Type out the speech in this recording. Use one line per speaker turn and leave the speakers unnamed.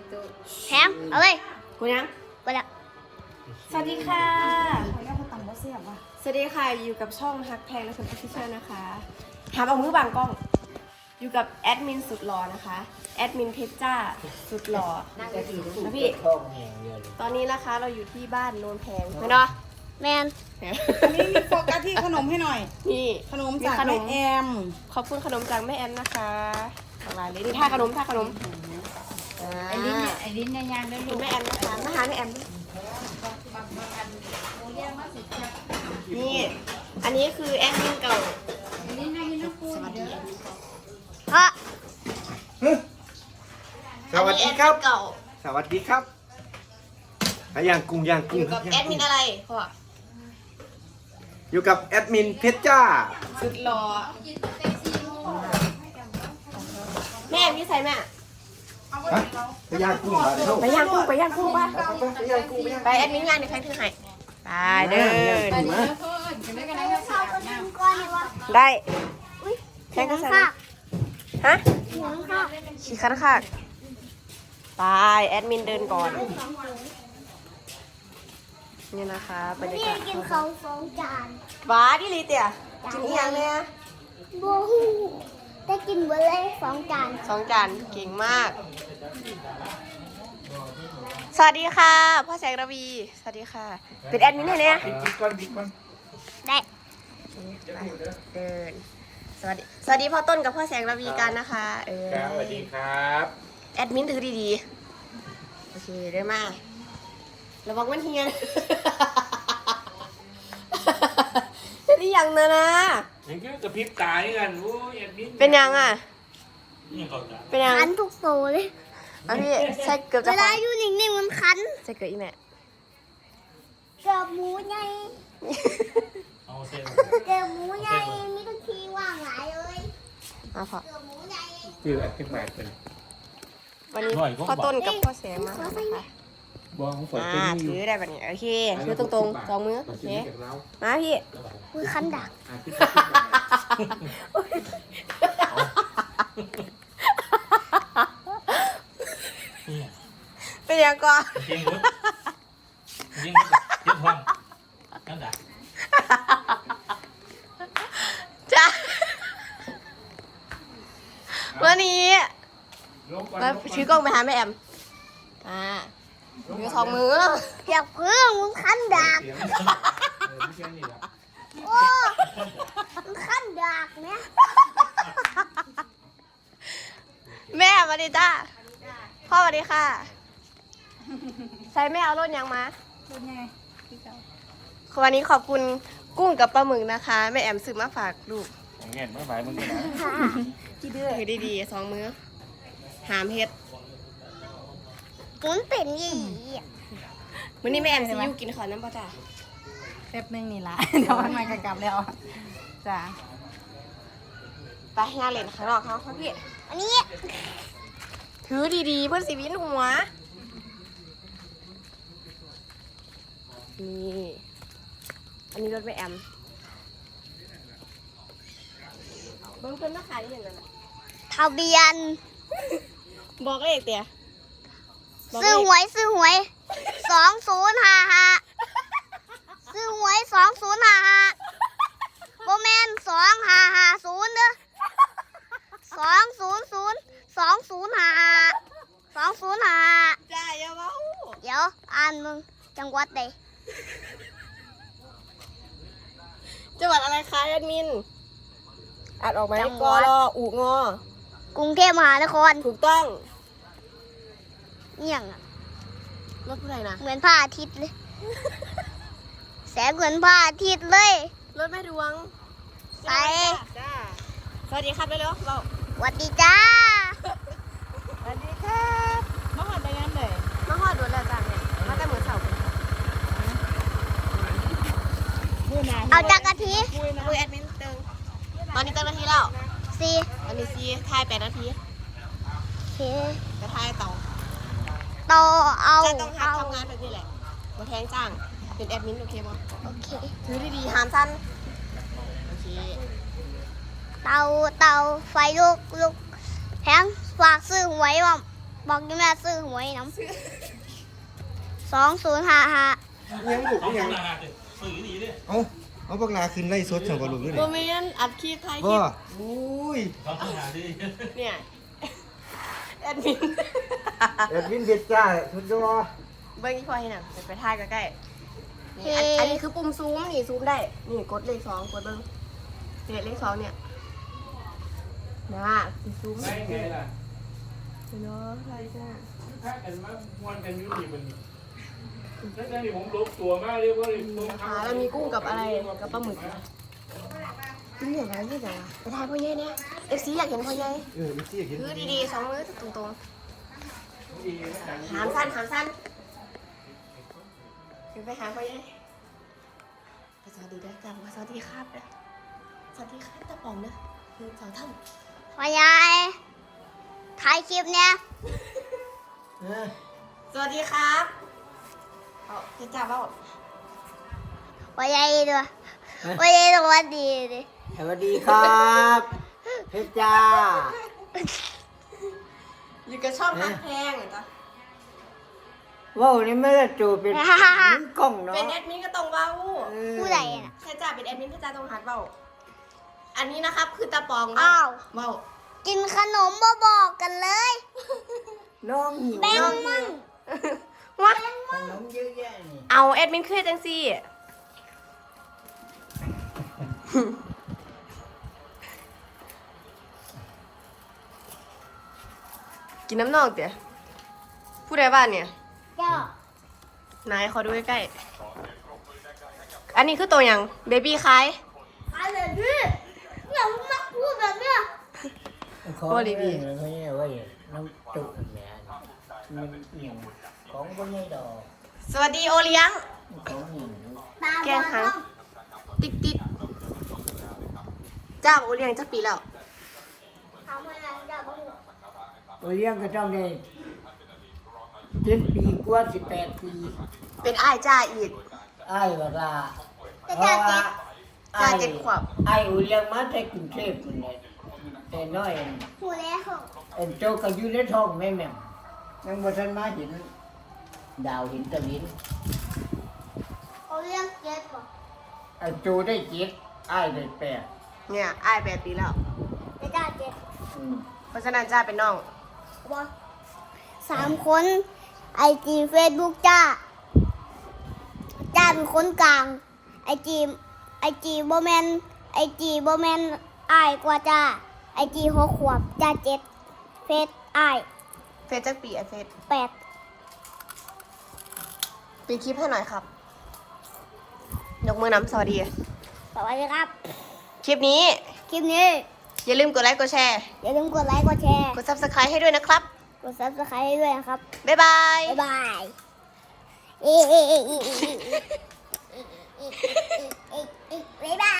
แถมเอาเลย
กูยัง
ไปละ
สวัสดีค่ะ
ขออนุญาตเขาตังค์บ่เสียบว่ะ
สวัสดีค่ะ อยู่กับช่องฮักแพงและคนออฟฟิเชียลนะคะหาเอามือบางกล้อง อยู่กับแอดมินสุดหล่อนะคะ แอดมินเพชรจ้าสุดหล่อนะพี่ ตอนนี้นะคะเราอยู่ที่บ้านโนนแพงเห็นเนาะ
แมน
อันนี้มีโฟกัสที่ขนมให้หน่อย
นี่
ขนมจาก
ขน
แม่
ม
แอม
ขอบคุณขนมจากแม่แอมนะคะหลากหลายเลยนี่ท่าขนม
ไอ้ลิ้นเนี่ยไอ้ลิ้นเนี่ยย่างได้
คุ
ลู
ณ
ก
แม่แอมนะคะมาหาแม่แอมด้วยนี่ อันนี้คือแอดมินเก่า
ไอ้ลิ้นเนี่ยกินน้ำปู
สวัสดี
เดี๋ยว
เพราะ
สวัสดีครับ
อันนี้แอดมินเก่า
สวัสดีครับย่างกุ้งย่าง
อ
กุ้ง
ยู่กับแอดมินอะไรพ่อ
อยู่กับแอดมินเพชรจ้า
สุดหล่อแม่แอมนี่ใส่แม่
ฮะไปย่างกุ้งมาเดี๋ยว
ไปย่างกุ้งป่ะ
ไปย่างกุ้งไปย่าง
ไปแอดมินงานเดี๋ยวใครถือให้ไปเดิน
ไปเดี๋ยวเพิ่นจะได้กันได้ก็อาบน้ำ
ก้อนเลยวะ
ได้
อุ้ย
แค่ก็ใส่
ค่ะ
ฮะ
เหลืองค่ะ
ขี่คันค่ะไปแอดมินเดินก่อนนี่นะคะบรรยา
นี่
กาศ
กินเขาสองจาน
ว้าดิลีเตียกินอีหยังเนี่ย
บูฮูได้กินเบอร์เลยสองจาน
2 จานเก่งมาก สวัสดีค่ะพ่อแสงระวีสวัสดีค่ะเป็นแอดมินให้เนี่ย
บิ๊กก้อนบิ๊กก้อน
ได้
เดินสวัสดีพ่อต้นกับพ่อแสงระวีกันนะคะ
ครับสวัสดีครับ
แอดมินถือดีๆโอเคได้มาระวังมันเฮียน นี่ยังนะนะ
ยังคือกระพริบตานี่กันโอ้ยแอดมิน
เป็นยังอ่ะ
นี่เขาจะ
เป็นยัง
คันทุกโตเลย
อ่ะพี่ใช่เกือบ
เว
จะ
ลาอยู่นิ่งๆมันคัน
ใช่เกือบอีแม่
เกือบหมูใหญ่
เอาเส้น
เกือบหมูใหญ่มีทุกทีว่างหลายเลย
มาพอ
เกือบหมูใหญ่
คือแอดมินมาเป็น
วันนี้พ่อต้นกับพ่อแสงมานะคะ
บ้องฝน
อ่า
เป็น
ถือได้แบบนี้โอเคถือตรงๆ2 มือโอเคมาพี่
มือคันดัก
นี่
เป็นยังก่อน
ยิงรถยิงรถเจ็บท้องนั่นแหละ
จ้าวันนี้มาถือกล้องไปหาแม่แอมอ่าถือ2 มือ
อยากพึ่งมึงคันดัก
ไม่ใช่นี่แหละ
โอ้มึงคันดักเนี่ย
แม่สวัสดีจ้าพ่อสวัสดีค่ะ ใส่แม่เอารถยังมา
เป็นไงพี่เจ้า
วันนี้ขอบคุณกุ้งกับปลาหมึกนะคะ แม่แอมซื้อมาฝากลูก
เงี้ยไม่ไหวมึงนะ
ที่เดือถือดีๆ2 มือหามเฮ็ด
มันเป็นยี่
วันนี้แม่แอมซิยูกินขอน้ำปลาจ้า
แป๊บนึงนี่ละ เดี๋ยวมันมากลับแล้วจ้า
ไปงานเล่นข้างนอกเขาพี่
อันนี้
ถือดีๆเพื่อนสีวินหัวนี่อันนี้รถแม่แอมเบิ้งเพิ่นมาขายอย่างนั้นน่ะ
ทะเบียน
บอกเลขเตี๋ยบอกเล
ซื้อ
ข
หวย2055ซื้อหวย2055โบแมน2550เด้อ2002055
จ้าอย่าเว้า
เดี๋ยวอ่านมึงจังหวัดใด
จังหวัดอะไรคะแอดมินอ่านออกไหม
จังห
ก
วัด
รออูงอก
รุงเทพมหานคร
ถูกต้อง
เอี่ยงอะ
รถผู้ใดนะ
เหมือนพระอาทิตย์เลย แสงเหมือนพระอาทิตย์เลย
รถแม่ดวง
ไป
จ้าสวัสดีครับเร็วๆเรา
สวัสดีจ้า
สวัสดีครับ
มาหอดไปงั้นเลย
มาฮอดรถแล้วจ้าเนี่ยมาแต่มือเสาร์
มือหนา
เอาจากกะทิ
คุยแอดมินตึงตอนนี้ตั้งนาทีแล้ว
สิ
ตอนนี้ซีทาย8 นาที
โอเค
จะทายต่อ
ต่อเอา
จะต้อง
เอา
ทำงานแบบนี้แหละมาแทงจ้างเป็นแอดมินโอเคมั้ย
โอเค
ถือดีๆหามสั้นโอเค
เตาไฟลุกแพงฝากซื้อหวยว่ะบอกยังแม่ซื้อหวยน้ำ2055
ยังลูก
ต้อง
ยัง
ทำงานสื่อดีดิ
เอาพวกนาขึ้นไล่สดสั่งกับลูกด้วย
โม
นี่
เมนต์อัดคลิปถ่ายค
บ่
ลิป
อุ้ย
ต้องทำงานดิ
เนี่ยแอดมิน
แอดมินเพชรจ้าสุดยอด
เบิ้งที่พอเห็นอ่ะไปถ่ายใกล้ๆนี่อันนี้คือปุ่มซูมนี่ซูมได้นี่กดเลข2กดเบิ้งเนี่ยเลข2เนี่ยนะซูม
ไม่ไงล่ะ
เนาะอะไรจ้า
ถ้ากันมาม้วนกันยุ่ดีมันแล้วนี่ผมลบตัวมากเรียกว่าเลยตัว
แล้วมีกุ้งกับอะไรกับปลาหมึกนี่อย่างไรนี่จ้ะไปถ่ายพ่อใหญ่เนี่ยFC อยากเห็นพ่อใหญ่
ไม่ใช่เห็น
คือดีๆ2มือตรงๆหามสั้นคือไปหาพ่อใหญ่สวัสดีด้วยจ้าสวัสดีครับนะสวัสดีครับตะป๋องนะคือสาวท่าน
พ่อใหญ่ถ่ายคลิปเนี่ย
สวัสดีครับเอาจะจับว่า
พ่อใหญ่ด้วยพ่อใหญ่สวัสดีดิ
สวัสดีครับเพชรจ้า
อยู่กับช่องฮักแพงเหรอจ๊ะ
ว้าวนี่ไม่ได้จูเป็นมือกล้องเนาะ
เป็นแอดมินก็ต้องเว้า
ผู้ใดน่ะ
ใช่จ้าเป็นแอดมินพี่จ้าต้องหัดเว้าอันนี้นะครับคือตาปอง
อ้าว
เว้า
กินขนมบ่บอกกันเลย
น้องหิว
แบ่งมั่ง
ว้า
ขนมเยอะแยะนี่
เอาแอดมินคือจังซี่กินน้ำนองเตี๋ยผู้ใดบ้านเนี่ย
เจ้าน
ายขอดูใกล้ๆอันนี้คือตัวอย่างเบบี้คล้าย
อะไรพี่อย่ามาพูดแบบเนี้ย
ของ
โอ้ดี
นี่เขาเนี่ยว่าน้ำจุแม่มันเอียงของก็ไม่ดอก
สวัสดีโอเลี้ยง
ของหิว
ตา
แก
บ
ง
อด
หาง
ต้อง
ติ๊กจ้าโอเลี้ยงจักปีแล้ว
ทำอะไรจะบอก
ตัวเลี้ยงก็ต้องได้7 ปีกว่า18 ปี
เป็นอ้ายจ้าอีก
อ้ายว่าล่ะ
จะจ่าเจ็ด
จ้า7 ขวบ
อ้ายอุเลี้ยงมาแต่กรุงเทพฯนี่แต่น้อย
หูแล้ว
โจก็อยู่ในท้องแม่แม่ยังบ่ทันมาเห็นดาวเห็นตะลิน
เขาเรียกเจ็ดบอก
โจได้7อ้ายได้8
เนี่ยอ้าย8 ปีแล้ว
จะจ่าเจ็ด
เพราะฉะนั้นจ้าเป็นน้อง
บอก3 คนไอจีเฟซบุ๊กจ้าเป็นคนกลางไอจีโบแมนอายกว่าจ้าไอจี6 ขวบจ้า7เฟซอาย
เฟซจักปีไอเฟซ
8
ปีคลิปให้หน่อยครับ ยกมือนำสวัสดี
สวัสดีครับ
คลิปนี้
คลิปนี้
อย่าลืมกดไลค์กดแชร์
อย่าลืมกดไลค์กดแชร์
กด Subscribe ให้ด้วยนะครับ
กด Subscribe ให้ด้วยนะครับ
บ๊ายบาย
บ๊ายบายบ๊ายบาย